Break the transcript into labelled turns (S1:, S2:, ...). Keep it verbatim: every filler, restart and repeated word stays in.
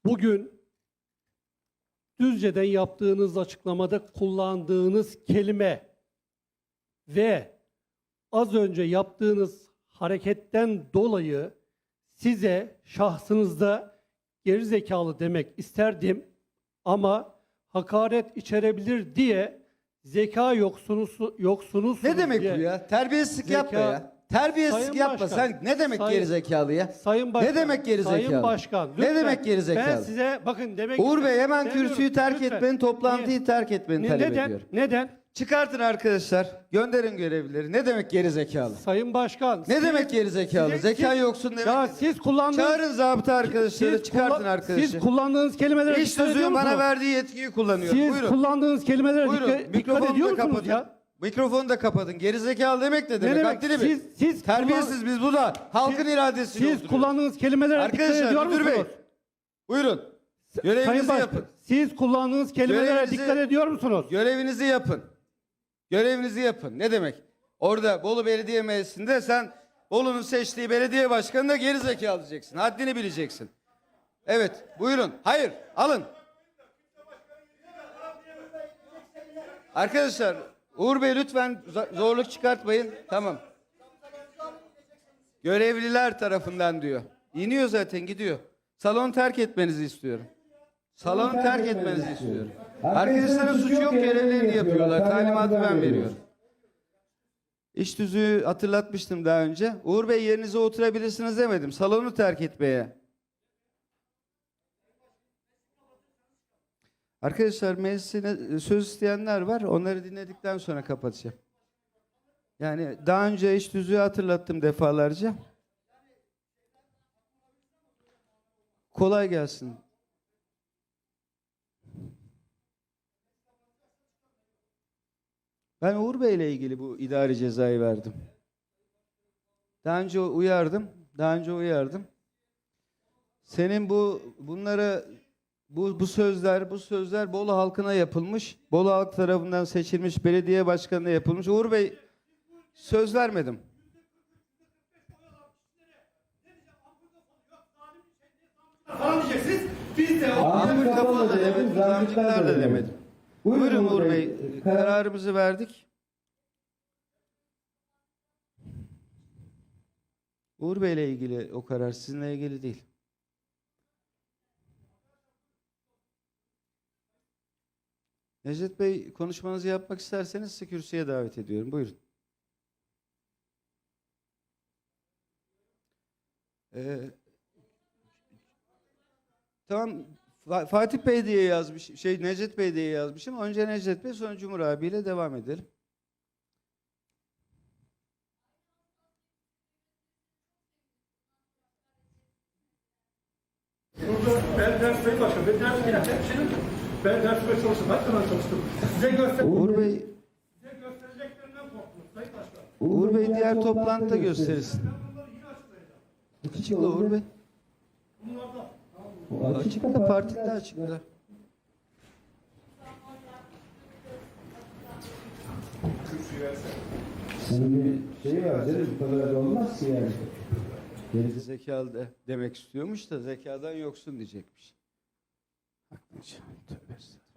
S1: bugün Düzce'den yaptığınız açıklamada kullandığınız kelime ve az önce yaptığınız hareketten dolayı size şahsınızda gerizekalı demek isterdim ama hakaret içerebilir diye zeka yoksunuz yoksunuz
S2: Ne demek
S1: diye.
S2: bu ya? Terbiyesizlik
S1: Zeka-
S2: yapma ya. Terbiyesizlik
S1: Sayın
S2: yapma.
S1: Başkan,
S2: Sen ne demek
S1: Sayın-
S2: gerizekalı ya?
S1: Sayın Başkan,
S2: Ne demek gerizekalı?
S1: Sayın Başkan,
S2: Ne
S1: lütfen.
S2: demek gerizekalı?
S1: Ben size bakın demek
S2: Uğur Bey hemen
S1: istemiyorum.
S2: kürsüyü terk
S1: Lütfen.
S2: etmeni, toplantıyı
S1: Niye?
S2: terk etmeni
S1: Ne-
S2: talep
S1: neden?
S2: ediyorum.
S1: Neden?
S2: Çıkartın arkadaşlar. Gönderin görevlileri. Ne demek gerizekalı?
S1: Sayın Başkan.
S2: Ne
S1: siz-
S2: demek gerizekalı?
S1: siz-
S2: Zeka
S1: siz-
S2: yoksun demek.
S1: Ya
S2: nedir?
S1: siz kullandığınız
S2: Çağırın zabıta arkadaşları,
S1: siz
S2: çıkartın
S1: kullan-
S2: arkadaşı.
S1: Siz kullandığınız kelimelere
S2: İş
S1: dikkat ediyor
S2: tüzüğün bana
S1: musunuz?
S2: verdiği yetkiyi kullanıyorum.
S1: Siz
S2: Buyurun.
S1: kullandığınız kelimelere
S2: Buyurun.
S1: dikkat, dikkat
S2: Mikrofonu
S1: ediyor
S2: da
S1: musunuz
S2: kapatın.
S1: ya?
S2: Mikrofonu da kapatın. Gerizekalı demek ne demek?
S1: demek?
S2: Haddini bil.
S1: Siz- siz
S2: Terbiyesiz biz bu da. Halkın
S1: Siz-
S2: iradesiyle
S1: Siz
S2: oturuyoruz.
S1: kullandığınız kelimelere dikkat ediyor
S2: Arkadaşlar müdür
S1: musunuz?
S2: bey. Buyurun.
S1: Sayın
S2: Görevinizi
S1: Başkan,
S2: yapın.
S1: siz kullandığınız kelimelere
S2: Görevinizi-
S1: dikkat ediyor musunuz?
S2: Görevinizi yapın. Görevinizi yapın. Ne demek? Orada Bolu Belediye Meclisi'nde sen Bolu'nun seçtiği belediye başkanına geri zekalı diyeceksin. Haddini bileceksin. Evet. Buyurun. Hayır. Alın. Arkadaşlar Uğur Bey lütfen zorluk çıkartmayın. Tamam. Görevliler tarafından diyor. İniyor zaten gidiyor. Salonu terk etmenizi istiyorum. Salonu terk etmenizi istiyorum. Arkadaşların suçu yok, görevlerini yapıyorlar. Talimatı ben veriyorum. İş tüzüğü hatırlatmıştım daha önce. Uğur Bey yerinize oturabilirsiniz demedim. Salonu terk etmeye. Arkadaşlar meclisine söz isteyenler var. Onları dinledikten sonra kapatacağım. Yani daha önce iş tüzüğü hatırlattım defalarca. Kolay gelsin. Ben Uğur Bey ile ilgili bu idari cezayı verdim. Daha önce uyardım. Daha önce uyardım. Senin bu bunlara bu bu sözler bu sözler Bolu halkına yapılmış. Bolu halk tarafından seçilmiş belediye başkanına yapılmış. Uğur Bey söz vermedim.
S3: Falan diyeceksiniz. Biz de
S2: Ampul kapalı da demedim, zamcıklar da demedim. Buyurun Uğur Bey, kararımızı verdik. Uğur Bey ile ilgili o karar, sizinle ilgili değil. Necdet Bey, konuşmanızı yapmak isterseniz sizi kürsüye davet ediyorum. Buyurun. Ee, tamam, Fatih Bey diye yazmış, şey Necdet Bey diye yazmışım. Önce Necdet Bey, sonra Cumhur abiyle devam edelim.
S3: burada ben ders Sayın Başkan, ben ders hemşerim. Ben dersime çalıştım. Kaç zaman çalıştım? Size göster
S2: Uğur Bey,
S3: size göstereceklerinden korktum Sayın Başkan.
S2: Uğur Bey diğer toplantıda gösterirsin.
S3: Ben bunları yine açıklayacağım.
S2: Açıkla Uğur Bey.
S3: Bunlarda
S2: Açıkla, partide açıkla.
S4: Senin bir şey var değil mi? Bu kadar da olmaz ki yani.
S2: Geri zekalı de demek istiyormuş da zekadan yoksun diyecekmiş. Aklınca. Tövbe estağfurullah.